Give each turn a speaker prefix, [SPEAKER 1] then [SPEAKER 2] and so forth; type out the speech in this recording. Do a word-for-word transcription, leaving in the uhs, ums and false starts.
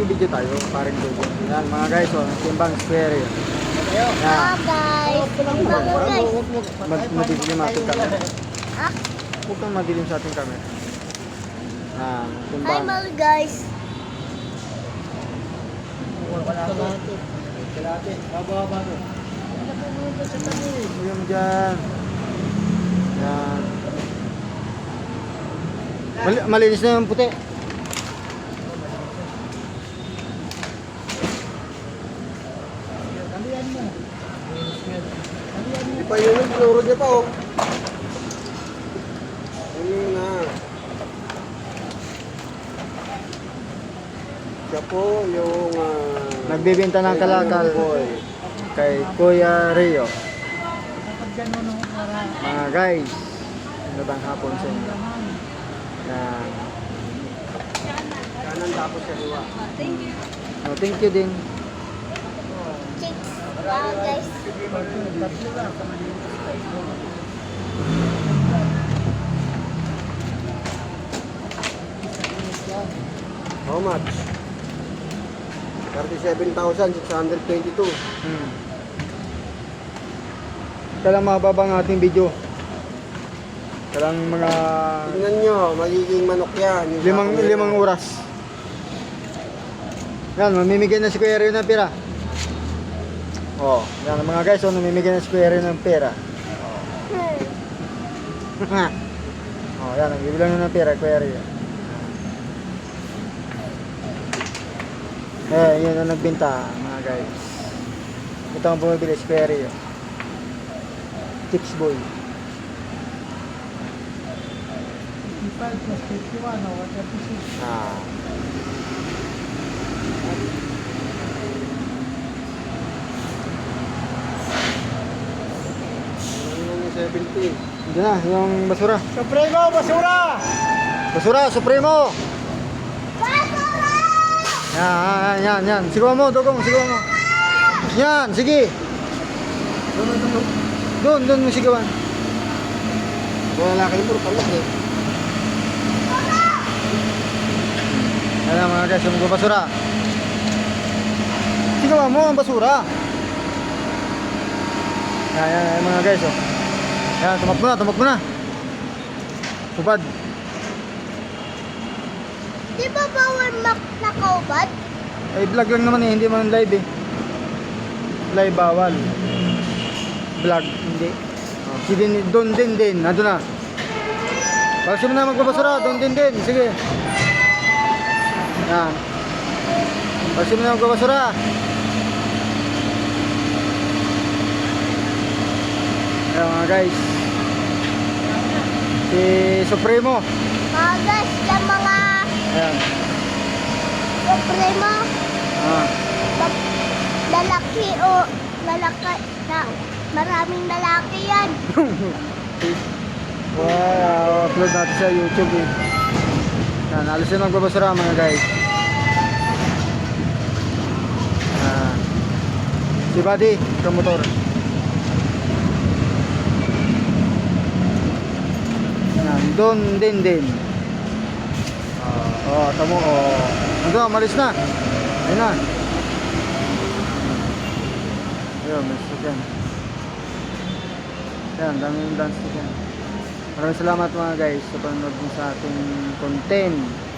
[SPEAKER 1] nagbibideo tayo, parang doon. Yan, mga guys, oh, timbang square yun. Yan.
[SPEAKER 2] Ah, guys. Timbang mo, guys.
[SPEAKER 1] Mag madilim ating camera.
[SPEAKER 2] Ah?
[SPEAKER 1] Huwag kang madilim sa ating camera. Yan,
[SPEAKER 2] Hi,
[SPEAKER 1] timbang.
[SPEAKER 2] mga guys.
[SPEAKER 1] Huwag mo dyan. Yan. Mal malinis na yung puti.
[SPEAKER 3] Di pa yun yung pinuro niya pa oh. Yun na. Siya po yung uh,
[SPEAKER 1] Nagbibenta ng kalakal
[SPEAKER 3] boy.
[SPEAKER 1] kay Kuya Rio. Mga guys, magandang hapon sa inyo. Yan.
[SPEAKER 3] Kanan tapos sa liwa.
[SPEAKER 1] Oh, thank you din.
[SPEAKER 2] Chicks. Ah, guys.
[SPEAKER 3] How much? thirty-seven thousand six hundred twenty-two.
[SPEAKER 1] Hmm. Kailang mababa ang ating video. Kailang mga
[SPEAKER 3] Tingnan nyo, magiging manok yan. Yung
[SPEAKER 1] limang,
[SPEAKER 3] sakong
[SPEAKER 1] limang
[SPEAKER 3] yan.
[SPEAKER 1] oras. Yan, mamimigay na si Kuya Rio ng pera. Oh, yan mga guys, oh, namimigay na si Kuya Rio ng pera. Oh, yan, nagbibilang na ng pera, Kuya Rio. Eh, yun ang nagbenta, mga guys. Ito ang bumibili, si Kuya Rio. Chicks boy. Ah.
[SPEAKER 3] Yung seventy.
[SPEAKER 1] Diyan na, yung basura.
[SPEAKER 3] Supremo, basura!
[SPEAKER 1] Basura, Supremo! Yan, yan, yan. Sigawan mo, Dugong, sigawan mo. Yan, sige. Doon, doon mo sigawan.
[SPEAKER 3] Wala kayo puro palas eh.
[SPEAKER 1] Yan na mga guys, yung basura. Sigawan mo ang basura. Yan, yan, yan mga guys. Oh. Yan, tumakbo na, tumakbo na. Tubad.
[SPEAKER 2] Di ba bawal mak nakaubad?
[SPEAKER 1] Ay, vlog lang naman eh, hindi man live eh. Live bawal. Vlog, hindi. Oh, si din, doon din din, nandun na. Pagsi mo na magbabasura, doon din din, sige. Yan. Pagsi mo na magbabasura. Ayan mga guys. Si Supremo.
[SPEAKER 2] Mga guys, yung mga
[SPEAKER 1] Ayan.
[SPEAKER 2] Supremo,
[SPEAKER 1] Ah.
[SPEAKER 2] bab- lalaki o lalaki na maraming lalaki yan.
[SPEAKER 1] Wow, upload natin sa YouTube eh. Yan, alas na magbabasura mga guys. Ah. Si Buddy, promotor. Yan, doon din din. Oh, tamo oh. Ando, malis na. Ayun na. Ayun, may sasakyan. Yan, daming dance yan. Maraming salamat mga guys sa panonood mo sa ating content.